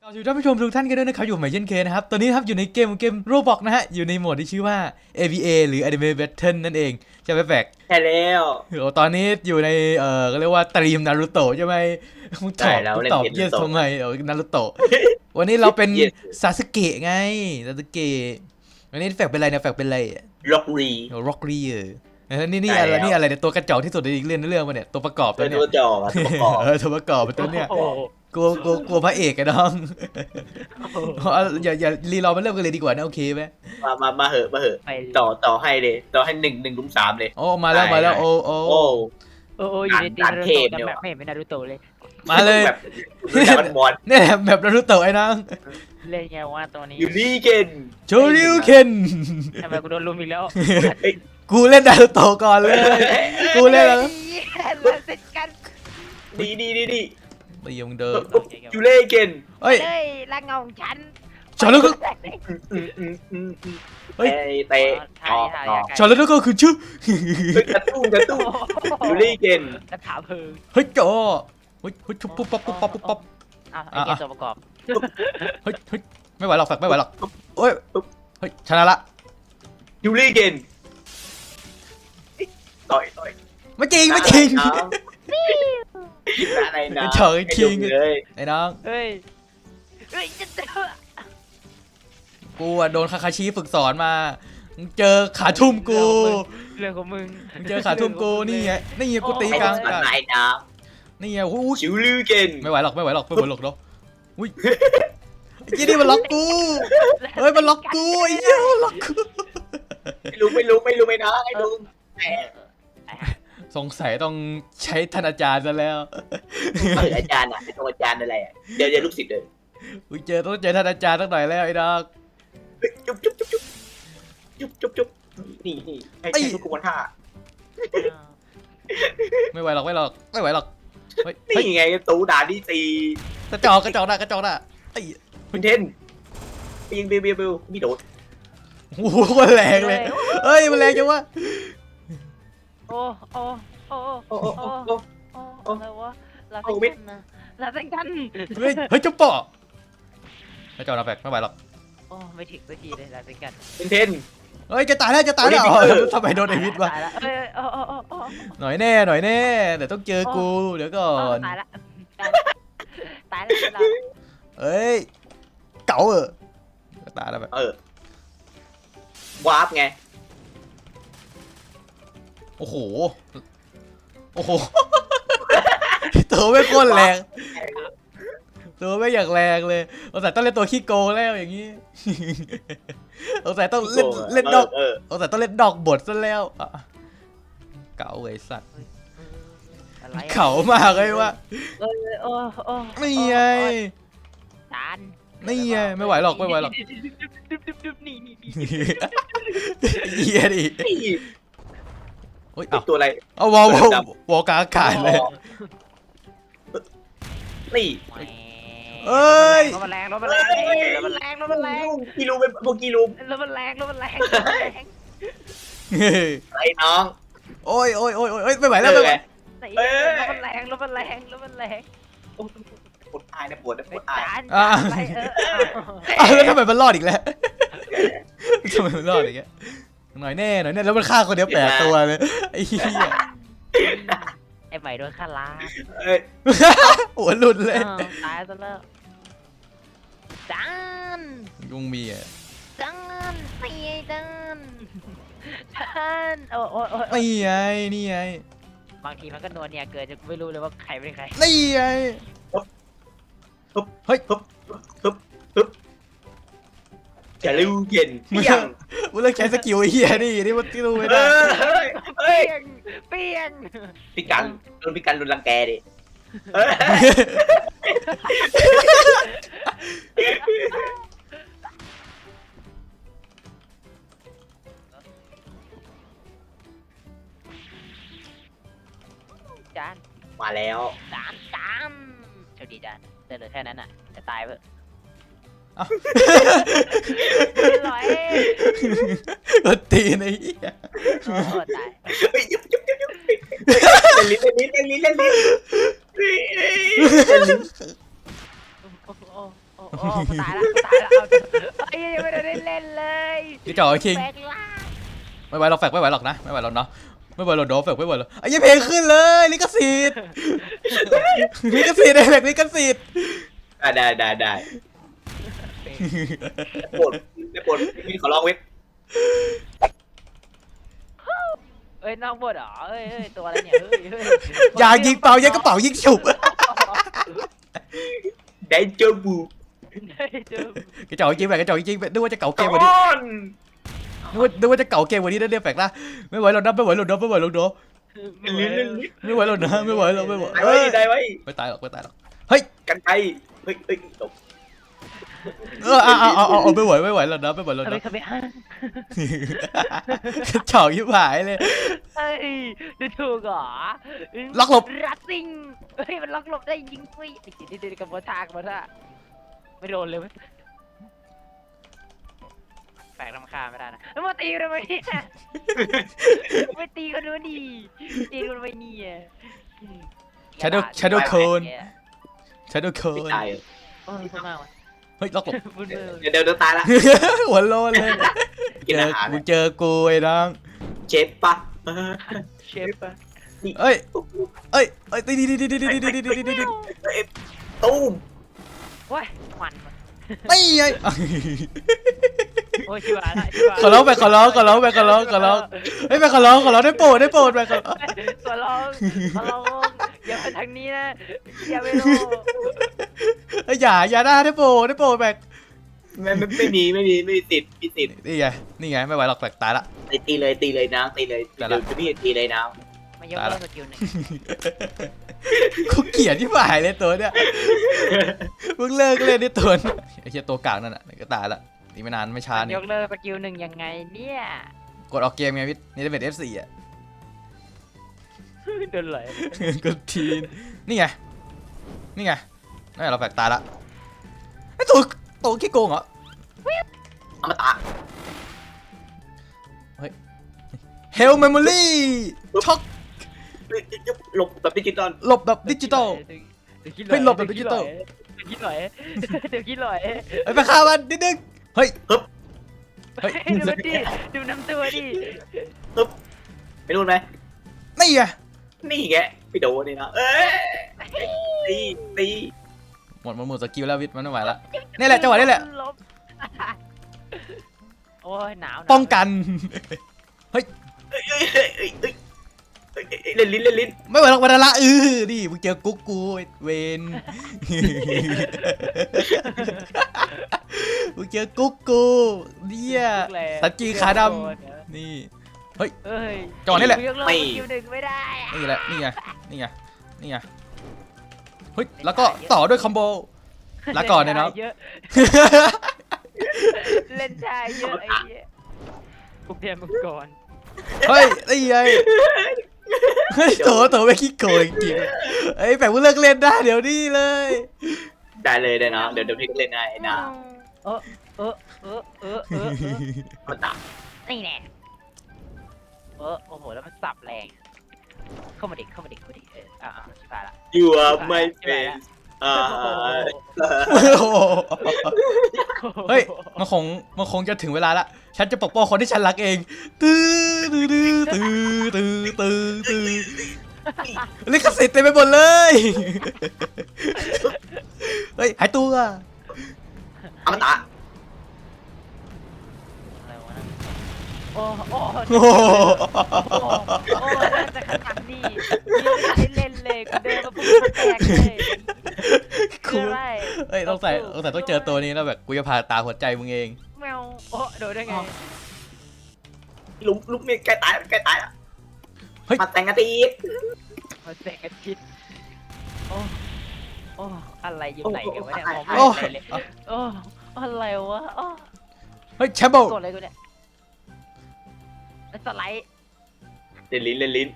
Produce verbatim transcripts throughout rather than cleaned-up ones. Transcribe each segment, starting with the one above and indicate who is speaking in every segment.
Speaker 1: สวัสดีท่านผู้ชมทุกท่านกันด้วยนะครับอยู่ใหม่เช่นเคยนะครับตอนนี้ครับอยู่ในเกมเกมโรบอกนะฮะอยู่ในโหมดที่ชื่อว่า เอ วี เอ หรือ Anime Battle นั่นเองใช่ไหมแฟก
Speaker 2: ใช่แล้ว
Speaker 1: โอ้ตอนนี้อยู่ในเอ่อก็เรียกว่าตรีมนารูโตะใช่ไหมมึงตอบมึงตอบเยสทำไมเออนารูโตะวันนี้เราเป็นซาสึเกะไงซาสึเกะวันนี้แฟกเป็นอะไรเนี่ยแฟกเป็นอะไร
Speaker 2: ล็อกรี
Speaker 1: ร็อกรีเออนี่นี่อะไรนี่อะไรเนี่ยตัวกระจอกที่สุดในอีกเรื่องในเรื่องมาเนี่ยตัวประกอบตัวเนี้ย
Speaker 2: ตัวจอตัวประกอบ
Speaker 1: เออตัวประกอบตัวเนี้ยกลัวกลัวกลัวพระเอกไอ้น้องอย่าอย่ารีรอมาเริ่มกันเลยดีกว่านะโอเคไหม
Speaker 2: มามามาเหอะมาเหอะต่อต่อให้เลยต่อให้หนึ่งหนึ่งลุมสามเลย
Speaker 1: โอ้มาแล้วมาแล้วโอ้โอ้
Speaker 2: โอ้
Speaker 3: โอ้โอ้อยู่ในตีนารูโตะแต่แบบไม่เห็นเป็นนารูโตะเลย
Speaker 1: มาเลย
Speaker 2: แบบมันบอล
Speaker 1: เนี่ยแบบนารูโตะไอ้น้อง
Speaker 3: เล่นไงว่าตัวนี้
Speaker 2: ยูริเกน
Speaker 1: โชริวเคน
Speaker 3: ทำไมกูโดนลุมอีกแล้ว
Speaker 1: กูเล่นนารูโตะก่อนเลยกูเล่นแล้ว
Speaker 2: ดีดีดีดี
Speaker 1: ตีมึงเดิน
Speaker 2: ยูริเกน
Speaker 1: เฮ้ย
Speaker 3: ละเงาของฉัน
Speaker 1: ชอนแล้วก็
Speaker 2: เฮ้ยเตะ
Speaker 1: ชอนแล้วก็คือชื่อก
Speaker 2: ระตุ้งกระตุ้งยูริเกน
Speaker 3: กระถาเพลิง
Speaker 1: เฮ้ยจ่อเฮ้ยเฮ้ยปุ๊บปั๊บปุ๊บปั๊บปุ๊บปั๊บ
Speaker 3: อ่ะไอเกมตัวประกอบ
Speaker 1: เฮ้ยเฮ้ยไม่ไหวหรอกฝักไม่ไหวหรอกเฮ้ยเฮ้ยชนะละ
Speaker 2: ยูริเกนต่อยต่อย
Speaker 1: ไม่จริงไม่จริง
Speaker 2: อะไรนะ
Speaker 1: เฉยจริงเลยไอ้น้อง
Speaker 3: เฮ้ยเฮ้ยจะเจอ
Speaker 1: กูอะโดนคาคาชิฝึกสอนมาเจอขาทุ่มกู
Speaker 3: เรื่องของมึง
Speaker 1: เจอขาทุ่มกูนี่ไงนี่ไงกูตีกลางกันนี่ไงอู้
Speaker 2: ชิวลือเกน
Speaker 1: ไม่ไหวหรอกไม่ไหวหรอกไม่ไหวหรอกเนาะอุ้ยไอ้ยี่นี่มันล็อกกูเฮ้ยมันล็อกกูไอ้ยี่มันล็อกกู
Speaker 2: ไม่รู้ไม่รู้ไม่รู้ไม่นะไอ้ลุง
Speaker 1: สงสัยต้องใช้ท่านอาจารย์ซะแล้ว
Speaker 2: อาจารย์อ่ะเป็นอาจารย์อะไรอ่ะเดี๋ยวเดี๋ยวลูกศิษย์เลย
Speaker 1: อุ้ยเจอต้องเจอท่านอาจารย์สักหน่อยแล้วไอ้ดอก
Speaker 2: จุ๊บจุ๊บจุ๊บจุ๊บจุ๊บจุ๊บนี่นี่ไอ้ทุกคนท่า
Speaker 1: ไม่ไหวหรอกไม่หรอกไม่ไหวหรอก
Speaker 2: นี่ไงตูด่าดีซี
Speaker 1: กระจอกกระจอกนะกระจอกนะไอ้
Speaker 2: คุณเทนยิงเบลเบลเบลมีโดด
Speaker 1: โอ้โหมันแรงเลยเฮ้ยมันแรงจังวะ
Speaker 3: โอ้โอ้โอ้โอ้โอ้โอ้โอ้อะไรวะลาเซนกันนะลาเซนกัน
Speaker 1: เฮ้ยเฮ้ยจุ๊บปะกระจอกนะแฟกไม่ไหวหรอก
Speaker 3: โอ้ไม่ถึงสักทีเลยลาเซนกัน
Speaker 2: คุณเทน
Speaker 1: เฮ้ยจะตายแล้วจะตายแล้วทำไมโดนไอวิทวะหน่อยแน่หน่อยแน่เดี๋ยวต้องเจอกูเดี๋ยวก่อน
Speaker 3: ตายละตายแล้ว
Speaker 1: เฮ้ยเก๋าเออตายแล้วแบบ
Speaker 2: เออวาร์ปไง
Speaker 1: โอ้โหโอ้โหตัวไม่โคตรแรงตัวไม่อยากแรงเลยเราแต่ต้องเล่นตัวขี้โกงแล้วอย่างนี้เราแต่ต้องเล่นเล่นดอกเราแต่ต้องเล่นดอกบทซะแล้วเก๋าไอ้สัตว์เขามากเลยวะนี่ไง
Speaker 3: จาน
Speaker 1: นี่ไงไม่ไหวหรอกไม่ไหวหรอก
Speaker 3: นี่นี่
Speaker 1: เหี้ยดิเฮ้ย
Speaker 2: ตัวอะไร
Speaker 1: เอาวอลวอลกลางอากาศเลย
Speaker 2: นี่
Speaker 1: เอ้ย
Speaker 3: รถมันแรงรถมันแรงรถมันแรงรถมันแรง
Speaker 2: กิลูเป็นพวกกิลู
Speaker 3: รถมันแรงรถมันแรง
Speaker 2: ไอ้น้อง
Speaker 1: โอ้ยโอ้ยโอ้ยโอ้ยไม่ไหวแล้วไม่ไหว
Speaker 3: รถมันแรงรถมันแรงรถมันแรง
Speaker 2: ปวดอายนะปวดนะปวดอาย
Speaker 1: อ่าแล้วทำไมมันรอดอีกแล้วทำไมมันรอดอีกแล้วหน่อยแน่หน่อยแน่แล้วมันฆ่าคนเดียวแปดตัวเลยไอ้เหี้ย
Speaker 3: ไอ้ใหม่โดนฆ่าล้า
Speaker 1: หัวหลุดเลย
Speaker 3: ตายซะแล้วจาน
Speaker 1: ยุงมีอ่ะ
Speaker 3: จานนี่ไงจานจานโอ้โอ้โอ้
Speaker 1: นี่ไงนี่ไง
Speaker 3: บางทีมันก็นวลเนี่ยเกิดจะไม่รู้เลยว่าใครเป็นใคร
Speaker 1: นี่ไงเฮ้ย
Speaker 2: ฮึบฮึบฮึบจะรู้เย็นเปียง
Speaker 1: มึงเลิกใช้สกิลไอ้เหี้ยนี่นี่มันที่รู้ไม่ได้
Speaker 3: เปียงเปียง
Speaker 2: พี่กันโดนพี่กันโดนรังแกดิ
Speaker 3: จาน
Speaker 2: มาแล้ว
Speaker 3: จานจานโชคดีจานเดินเลยแค่นั้นอ่ะจะตายเพื่อลอย
Speaker 1: ตีนไอ้
Speaker 3: โอ้ตาย
Speaker 2: ยุบยุบยุบยุบเล่นลิ้นเล่นลิ้นเล่นลิ้นเล่นลิ้น
Speaker 3: โอ้ตายละตายละเอาไอ้ยังไม่ได้เล่นเลย
Speaker 1: พี่จ่อไอ้คิง
Speaker 3: แปลกล่าง
Speaker 1: ไม่ไหวหรอกแฟกไม่ไหวหรอกนะไม่ไหวหรอกเนาะไม่ไหวหรอกโดแฟกไม่ไหวหรอกไอ้ยี่เพลงขึ้นเลยลิขสิทธิ์ลิขสิทธิ์ไอ้แฟกลิขสิทธิ์
Speaker 2: อ่ะได้ได้ได้ได้โปรดได้โปรดมีขอร้องเว้ย
Speaker 3: เอ้ยนอกบทเหรอเอ้ยเอ้ยตัวอะไรเนี่ยเฮ้ยเฮ้ย
Speaker 1: อย่ายิงเป่ายิงกระเป๋ายิงฉุบ
Speaker 2: ได้เจอบู
Speaker 3: ได้เจอก
Speaker 1: ระจอกจริงแฟกกระจอกจริงนึกว่าจะเก่าเก
Speaker 2: ก่
Speaker 1: มกว่านี้
Speaker 2: อน
Speaker 1: นึกว่านึกว่าจะเก่าเกมกว่านี้นะเนี่ยแฟกนะไม่ไหวหรอกนะไม่ไหวหรอกนะไม่ไหวหรอกเนาะ
Speaker 2: ลิ้นลิ้นลิ้น
Speaker 1: ไม่ไหวหรอกนะไม่ไหวหรอกไม่ไหว
Speaker 2: ได้
Speaker 1: เอ้
Speaker 2: ไว้
Speaker 1: ย
Speaker 2: ได้ไว้
Speaker 1: ไม่ตายหรอกไม่ตายหรอกเฮ้ย
Speaker 2: กันไปเฮ้ยเฮ้ยตก
Speaker 1: เออเอาเอาเอาเอาไม่ไหวไม่ไหวแล้วนะไม่ไหวแล้ว
Speaker 3: ทำไม
Speaker 1: นะ
Speaker 3: ทำไมฮะ
Speaker 1: กระจอกยิบหายเลย
Speaker 3: เอ้ยดูถูกเหรอ
Speaker 1: ล็อกหลบ
Speaker 3: รัสซิงเฮ้ยมันล็อกหลบได้ยิงฟรีไอ้เด็กๆกับโบทากโบท่าไม่โดนเลยเว้ยแปลกรำคาญไม่ได้นะแล้วมาตีกันทำไมเนี่ยไม่ตีกันด้วยดิตีกันทำไมเนี่ย
Speaker 1: Shadow Shadow Clone Shadow
Speaker 2: ไม่
Speaker 1: Clone
Speaker 2: ตาย
Speaker 3: เออพูดมากว่ะ
Speaker 1: เฮ้ยล็อกหลบ
Speaker 3: พูดมือ
Speaker 2: เดี๋ยวเดี๋ยวเดี๋ยวตายละ
Speaker 1: หัวโลนเลย
Speaker 2: กิน
Speaker 1: เจ
Speaker 2: อา
Speaker 1: อ
Speaker 2: หาร
Speaker 1: มึงเจอกูไอ้น้อง
Speaker 2: เชฟปะ
Speaker 3: เชฟปะ
Speaker 1: เอ้ยเอ้ยเอ้ยตีดีดีดีดีดีดีดีดีดีดี
Speaker 2: ตุ้ม
Speaker 3: ว้ายมันว่ะ
Speaker 1: ไม่ไง
Speaker 3: โอ้ยชิบหายละชิบหาย
Speaker 1: ขอร้องไปขอร้องขอร้องไปขอร้องขอร้องเฮ้ยไปขอร้องขอร้องได้โปรดได้โปรดไปขอร้อง
Speaker 3: ขอร้องขอร้องอย่าไปทางนี้นะอย่าไปโล
Speaker 1: เฮ้ยอย่าอย่าได้ได้โปรดได้โปรดแบก
Speaker 2: ไม่ไม่ไม่มีไม่มีไม่มีติดมีติด
Speaker 1: นี่ไงนี่ไงไม่ไหวหรอกแบกตายละ
Speaker 2: ตีตีเลยตีเลยนะตีเลย
Speaker 1: แต่
Speaker 2: เดี๋
Speaker 1: ละ
Speaker 2: ยวจะพี่ตีเลยนะ
Speaker 3: มายกเลิกสกิลหนึ่ง
Speaker 1: กูเกลียดที่ฝ่ายเลยตัวเนี้ยมึงเลิกเล่นนี่ตัวนี้ไอ้เหี้ยตัวกลางนั่นน่ะก็ตายละนี่ไม่นานไม่ช้านี่
Speaker 3: ยกเลิกสกิลหนึ่งยังไงเนี่ย
Speaker 1: กดออกเกมไงวิทนี่จะเป็น เอฟ โฟร์ อ่ะ
Speaker 3: โดนไหล
Speaker 1: กดทีนนี่ไงนี่ไงนั่นไงเราแบกตายละไอ้ตัวตัวขี้โกงเหรอ
Speaker 2: อมตะ
Speaker 1: เฮลเมมโมรี่ช็อก
Speaker 2: หลบแบบดิจิตอล
Speaker 1: หลบแบบดิจิตอล ไม่หลบแบบดิจิตอล
Speaker 3: เดี๋ยวคิดหน่อยเดี๋ยวคิดหน่อย
Speaker 1: ไอ้ไปฆ่ามันนิดนึงเฮ้ยเฮ้ย
Speaker 3: ดูมันดิดูน้ำตัวดิ
Speaker 2: ไปนู่นไหม
Speaker 1: นี่ไง
Speaker 2: นี่แกไปโดนนี่นะเอ้ยตีตี
Speaker 1: หมดหมดหมดสกิลแล้ววิทมันไม่ไหวละนี่แหละจังหวะนี้แหละ
Speaker 3: ลบโอ้ยหนาว
Speaker 1: ป้องกัน
Speaker 2: เอ้ยเอ้ยเอ้ยเอ้ยเอ้ยเอ้ยเล่นลิ้นเล่นลิ้น
Speaker 1: ไม่ไหวหรอกวันละเออดิมึงเจอกุ๊กกูไอ้เวนมึงเจอกุ๊กกูเนี่ยสัจจีขาดำนี่
Speaker 3: เอ้ย
Speaker 1: จังหวะนี้แหละ
Speaker 3: ยกเลิกสกิลหนึ่งไม่ได้
Speaker 1: นี่แหละนี่ไงนี่ไงนี่ไงเฮ้ยแล้วก็ต่อด้วยคอมโบลาก่อนเนี่ยเนาะ
Speaker 3: เยอะเล่นชายเยอะไอ้เหี้ยกูเพียนมึงก่อน
Speaker 1: เฮ้ยนี่ไงเฮ้ยโถโถไม่ขี้โกงจริงๆเฮ้ยแปลกว่าเลิกเล่นได้เดี๋ยวนี้เลย
Speaker 2: ได้เลยได้นะเดี๋ยวเดี๋ยวพี่ก็เล่นได้นะ
Speaker 3: เออเออเออเออเออเออ
Speaker 2: อมตะ
Speaker 3: นี่แน่เออโอ้โหแล้วมันสับแรงเข้ามาดิเข้ามาดิเข้ามาดิเอออ่าชิบหายละ
Speaker 2: You are my face อ่า
Speaker 1: โอ้โหเฮ้ยมันคงมันคงจะถึงเวลาละฉันจะปกป้องคนที่ฉันรักเองตื้อตื้อตื้อตื้อตื้อตื้อลิขสิทธิ์เต็มไปหมดเลยเฮ้ยหายตัว
Speaker 2: อมตะ
Speaker 3: อะไรวะนะโอ้โอ้
Speaker 1: โอ้โห
Speaker 3: โอ้โอ้น่าจะขนาดนี้ยังไม่ได้เล่นเลยกูเดินมาปุ๊บมันแตกเลยคืออะไร
Speaker 1: เฮ้ยต้องใส่ต้องใส่ต้องเจอตัวนี้แล้วแบบกูจะพาตาหัวใจมึงเอง
Speaker 3: แมวโอ้โดนได้ไง
Speaker 2: ลุกลุกนี่ใกล้ตายใกล้ตายแล้วมาแต่งกันตี
Speaker 3: มาแตกอาทิตย์โอ้โอ้อะไรอยู่ไหนกันวะเนี่ยมองไม่
Speaker 1: โอ้
Speaker 3: เห็นเลยโอ้อะไรวะโอ้
Speaker 1: เฮ้ยแชมเบิล
Speaker 3: กดอะไรกูเนี่ยแล้วสไลด์
Speaker 2: เล่นลิ้นเล่นลิ้น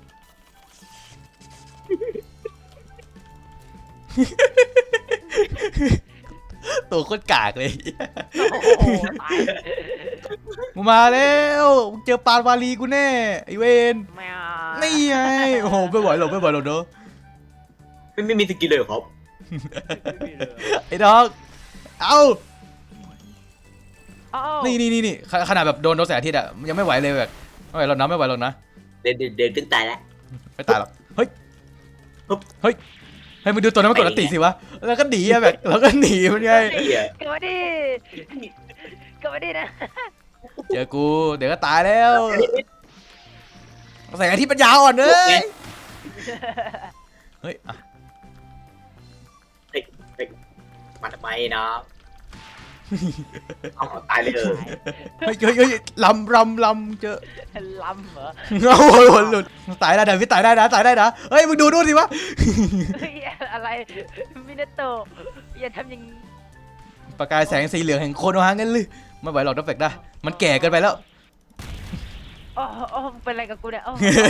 Speaker 1: ตัวโคตรกากเลย
Speaker 3: โอ้โหตาย
Speaker 1: มึงมาแล้วมึงเจอปานวาลีกูแน่ไอเวน
Speaker 3: แมว
Speaker 1: นี่ไงโอ้โหไม่ไหวหรอกไม่ไหวหรอกเด้อ
Speaker 2: ไม่ไม่มีสกิลเลยครับ
Speaker 1: ไอ้ดอกเอา
Speaker 3: อ้าว
Speaker 1: นี่นี่นี่นี่ขขนาดแบบโดนโดนแสงอาทิตย์อะยังไม่ไหวเลยแบบไม่ไหวหรอกนะไม่ไหวหรอกนะ
Speaker 2: เดินเดินเดินขึ้นตายแล้ว
Speaker 1: ไม่ตายหรอกเฮ้ย
Speaker 2: ปุ๊บ
Speaker 1: เฮ้ยให้มึงดูตัวนั้นมันกดอันติสิวะแล้วก็หนีอะแบบแล้วก็หนีมันไง
Speaker 2: ไอ้เหี้ย
Speaker 3: กลับมาดิกลับมาดินะ
Speaker 1: เจอกูเดี๋ยวก็ตายแล้วแสงอาทิตย์ปัญญาอ่อนเลยเฮ้ยอ่ะ
Speaker 2: มาทำไมนะเอาตายเลยเออ
Speaker 1: เฮ้ยเฮ้ยเฮ้ยลำลำลำเจอ
Speaker 3: ล้ำเหรอ
Speaker 1: โอ้ยหลุดตายได้นะพี่ตายได้นะตายได้นะเฮ้ยมึงดูดูสิวะ
Speaker 3: เฮ้ยอะไรมินาโตะอย่าทำอย่างนี้
Speaker 1: ประกายแสงสีเหลืองแห่งโคโนฮะงั้นเลยไม่ไหวหรอกดับเฟกได้มันแก่เกินไปแล้ว
Speaker 3: โอ้โอ้เป็นอะไรกับกูเนี่ยโอ้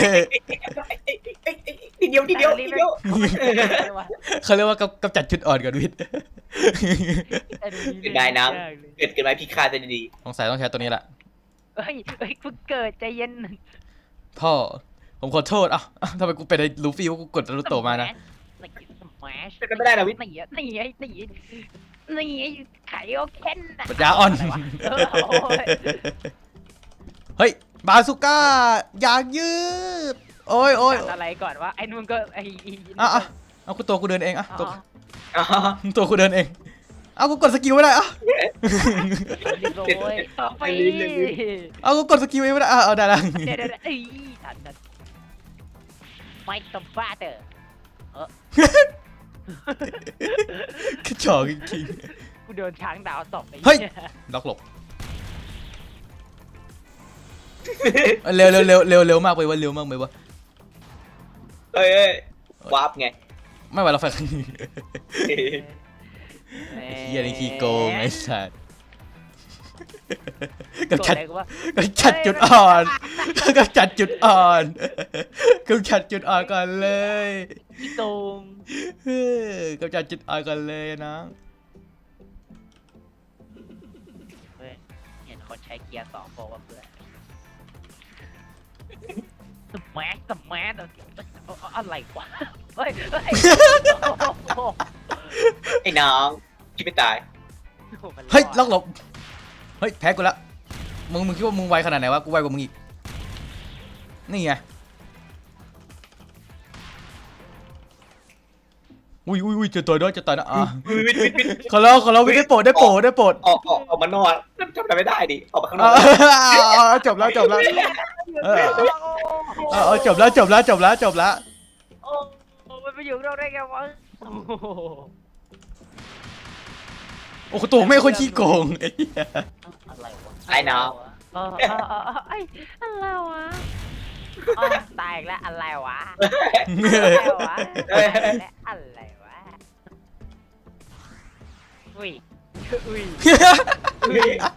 Speaker 2: ทีเดียวทีเดียวทีเดียว
Speaker 1: เขาเรียกว่ากำกำจัดจุดอ่อนก่อนวิทย์
Speaker 2: เป็นได้น้ำเกิดเกิดมาพี่ฆ่าจะดี
Speaker 1: สงสัยต้องใช้ตัวนี้แหละ
Speaker 3: เฮ้ยเฮ้ยกูเกิดใจเย็น
Speaker 1: พ่อผมขอโทษอ่ะอ่ะทำไมกูเป็นไอ้ลูฟี่ว่ากูกดนารูโตะมานะ
Speaker 3: สมัช
Speaker 2: จะกันไม่ได้นะวิทย์
Speaker 3: นี่อ่ะนี่ไอ้นี่นี่ไอ้ไข่โอเคนน่ะ
Speaker 1: ปัญญาอ่อน
Speaker 3: เออโอ้ย
Speaker 1: เฮ้ยบาสุก้าอยากยืดโอ้ยโอ้ย
Speaker 3: อะไรก่อนวะไอ้นู่นก็ไอ้อี
Speaker 1: อ่ะอ่ะเอากูตัวกูเดินเองอ่ะตัว
Speaker 2: อ๋อ
Speaker 1: ตัวกูเดินเองเอากูกดสกิลไม่ได้อ่ะ
Speaker 3: รีบโรยไป
Speaker 1: เอากูกดสกิลไม่ได้อ่ะเอาได้ละ
Speaker 3: เดี๋ยวเดี๋ยวเอ้ยทันทันไม่ต้องฟาเตอร์
Speaker 1: กระจอกจริง
Speaker 3: กูโดนช้างดาวตบไป
Speaker 1: เฮ้ย ๆล็อกหลบเร็วเร็วเร็วเร็วเร็วมากไปวะเร็วมากไปวะ
Speaker 2: เอ้ยเอ้ยวับไง
Speaker 1: ไม่ไหวแล้วแฟนเฮียนี่ขี้โกงไอ้สัสกำจัดกำจัดจุดอ่อนกำจัดจุดอ่อนกำจัดจุดอ่อนก่อนเลย
Speaker 3: ขี้โกง
Speaker 1: เฮ้ยกำจัดจุดอ่อนก่อนเลยนะ
Speaker 3: เฮ้ยเห็นคนใช้เกียร์สองโปรว่าเพื่อนสมัชสมัชอะไรวะเฮ้ยเฮ้ย
Speaker 2: ไอ้น้องคิดไม่ตาย
Speaker 1: เฮ้ยล็อกหลบเฮ้ยแพ้กูละมึงมึงคิดว่ามึงไวขนาดไหนวะกูไวกว่ามึงอีกนี่ไงอุ้ยอุ้ยอุ้ยจะต่อยด้วยจะต่อยนะอ่ะ
Speaker 2: วิทย์วิทย์วิทย์
Speaker 1: ขอร้องขอร้องได้โปรดได้โปรดได้โปรด
Speaker 2: ออกออกออกมานอนทำอะไรไม่ได้ดิออกมาข้างน
Speaker 1: เอา
Speaker 2: อก
Speaker 1: เอาเอาจบแล้วจบแล้วเออเอาเอาจบแล้วจบแล้วจบแล้วจบแล้ว
Speaker 3: โอ้มันไปอยู่เราได้ไงวะ
Speaker 1: โอ้โหตัวไม่งคนขี้โกงไอ้เหี้ย
Speaker 3: อะไรวะ
Speaker 2: ไอ้น้อง
Speaker 3: เออเออเออไอ้อะไรวะอ๋อตายอีกแล้วอะไรวะอะไรวะอะไรวะอุ้ยอุ้ย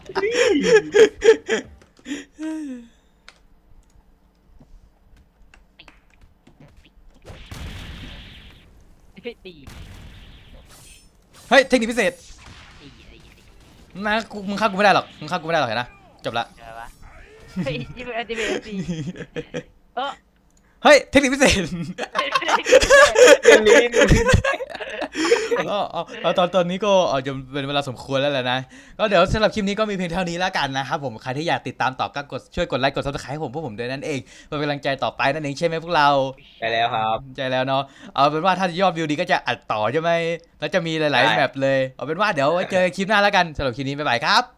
Speaker 3: ดี
Speaker 1: เฮ้ยเทคนิคพิเศษ
Speaker 3: ดีดีดี
Speaker 1: นะกูมึงฆ่ากูไม่ได้หรอกมึงฆ่ากูไม่ได้หรอกเห็นนะจบละ
Speaker 3: เจอปะเฮ้ยยี่สิบเอ็ดยี่สิบเอ็ดดีเออ
Speaker 1: เฮ้ยเทคนิคพิเศษ
Speaker 2: เรื่องนี้
Speaker 1: ก็เอาเอาตอนตอนนี้ก็อาจจะเป็นเวลาสมควรแล้วแหละนะก็เดี๋ยวสำหรับคลิปนี้ก็มีเพียงเท่านี้แล้วกันนะครับผมใครที่อยากติดตามต่อก็กดช่วยกดไลค์กดซับสไครต์ผมพวกผมด้วยนั่นเองเพื่อเป็นกำลังใจต่อไปนั่นเองใช่ไหมพวกเรา
Speaker 2: ได้แล้วครับ
Speaker 1: ใจแล้วเนาะเอาเป็นว่าถ้ายอดวิวดีก็จะอัดต่อใช่ไหมแล้วจะมีหลาย
Speaker 2: ใช่
Speaker 1: ๆแมปเลยเอาเป็นว่าเดี๋ยวไว้เจอกันคลิปหน้าแล้วกันสำหรับคลิปนี้บ๊ายบายครับ